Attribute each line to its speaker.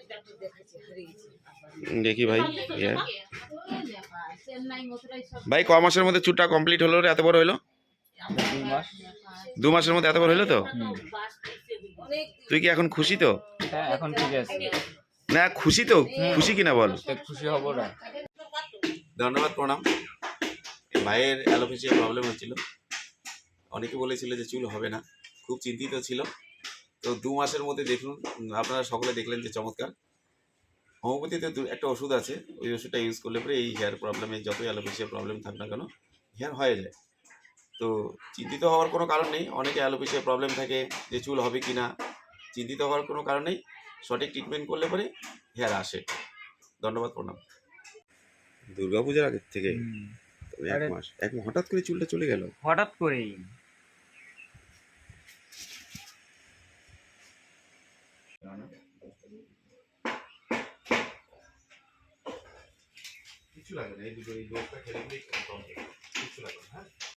Speaker 1: দেখি ভাই, ভাই ক মাসের মধ্যে চুলটা কমপ্লিট হলো রে? এত বড় হলো? 2 মাসের মধ্যে এত বড় হলো তো? তুই কি এখন খুশি তো?
Speaker 2: হ্যাঁ, এখন ঠিক আছে।
Speaker 1: না খুশি তো? খুশি কিনা বল।
Speaker 2: খুশি হব না।
Speaker 1: ধন্যবাদ, প্রণাম। ভাইয়ের অ্যালোপেশিয়া প্রবলেম হচ্ছিল, অনেকে বলেছিল যে চুল হবে না, খুব চিন্তিত ছিল। তো 2 মাসের মধ্যে দেখুন, আপনারা সকলে দেখলেন যে চমৎকার। হোমিওপ্যাথিতে একটা ওষুধ আছে, ওই ওষুধটা ইউজ করলে পরে এই হেয়ার প্রবলেমে যতই অ্যালোপেশিয়া প্রবলেম থাক না কেন হেয়ার হয়ে যায়। তো চিন্তিত হওয়ার কোনো কারণ নেই। অনেকে অ্যালোপেশিয়া প্রবলেম থাকে যে চুল হবে কি না, চিন্তিত হওয়ার কোনো কারণ নেই। সঠিক ট্রিটমেন্ট করলে পরে হেয়ার আসে। ধন্যবাদ, প্রণাম। দুর্গাপূজার আগের থেকে 1 মাস হঠাৎ করে চুলটা চলে গেল?
Speaker 2: হঠাৎ করেই।
Speaker 1: কিছু লাগে না, এই দুটো এই ডোজটা খেলে কিছু লাগে না। হ্যাঁ।